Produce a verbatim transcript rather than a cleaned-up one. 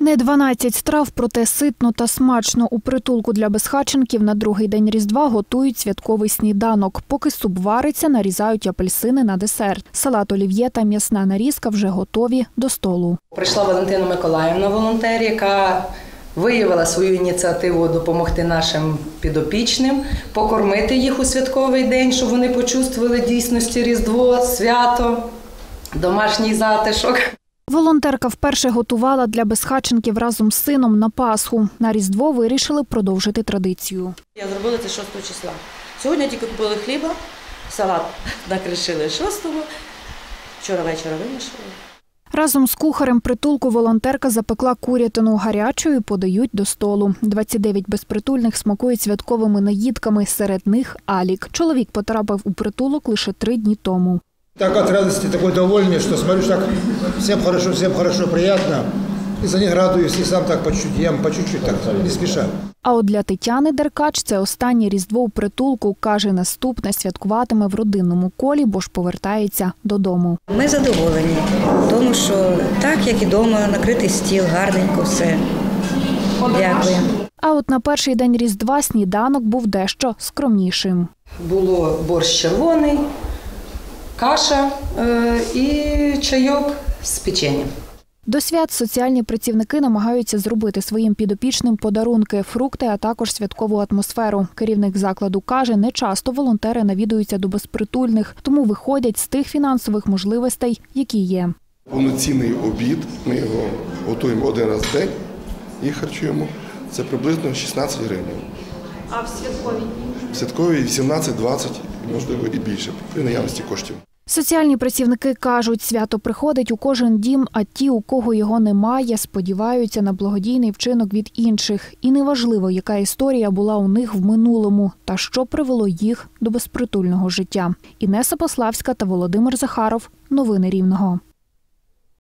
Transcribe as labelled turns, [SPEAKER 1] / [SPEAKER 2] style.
[SPEAKER 1] Не дванадцять страв, проте ситно та смачно. У притулку для безхатченків на другий день Різдва готують святковий сніданок. Поки суп вариться, нарізають апельсини на десерт. Салат олів'є та м'ясна нарізка вже готові до столу.
[SPEAKER 2] Прийшла Валентина Миколаївна, волонтер, яка виявила свою ініціативу допомогти нашим підопічним, покормити їх у святковий день, щоб вони почувствували дійсності Різдво, свято, домашній затишок.
[SPEAKER 1] Волонтерка вперше готувала для безхатченків разом з сином на Пасху. На Різдво вирішили продовжити традицію.
[SPEAKER 2] Я зробила це шостого числа. Сьогодні тільки купили хліба, салат накришили шостого, вчора вечора винішили.
[SPEAKER 1] Разом з кухарем притулку волонтерка запекла курятину гарячою і подають до столу. двадцять дев'ять безпритульних смакують святковими наїдками, серед них Алік. Чоловік потрапив у притулок лише три дні тому.
[SPEAKER 3] Так от радости, такой довольный, что смотрю, так всем хорошо, всем хорошо, приятно. И за них радуюсь, и сам так по чуть-чуть, ем по чуть-чуть, так, не спеша.
[SPEAKER 1] А от для Тетяни Деркач це останнє Різдво у притулку. Каже, наступне святкуватиме в родинному колі, бо ж повертається додому.
[SPEAKER 4] Ми задоволені, тому що так, як і вдома, накритий стіл, гарненько все. Дякую.
[SPEAKER 1] А от на перший день Різдва сніданок був дещо скромнішим.
[SPEAKER 2] Було борщ червоний, каша е, і чайок з печенням.
[SPEAKER 1] До свят соціальні працівники намагаються зробити своїм підопічним подарунки, фрукти, а також святкову атмосферу. Керівник закладу каже, не часто волонтери навідуються до безпритульних, тому виходять з тих фінансових можливостей, які є.
[SPEAKER 5] Повноцінний обід, ми його готуємо один раз в день і харчуємо. Це приблизно шістнадцять гривень.
[SPEAKER 1] А в святкові?
[SPEAKER 5] В святкові вісімнадцять-двадцять, можливо, і більше, при наявності коштів.
[SPEAKER 1] Соціальні працівники кажуть, свято приходить у кожен дім, а ті, у кого його немає, сподіваються на благодійний вчинок від інших. І неважливо, яка історія була у них в минулому та що привело їх до безпритульного життя. Інеса Пославська та Володимир Захаров. Новини Рівного.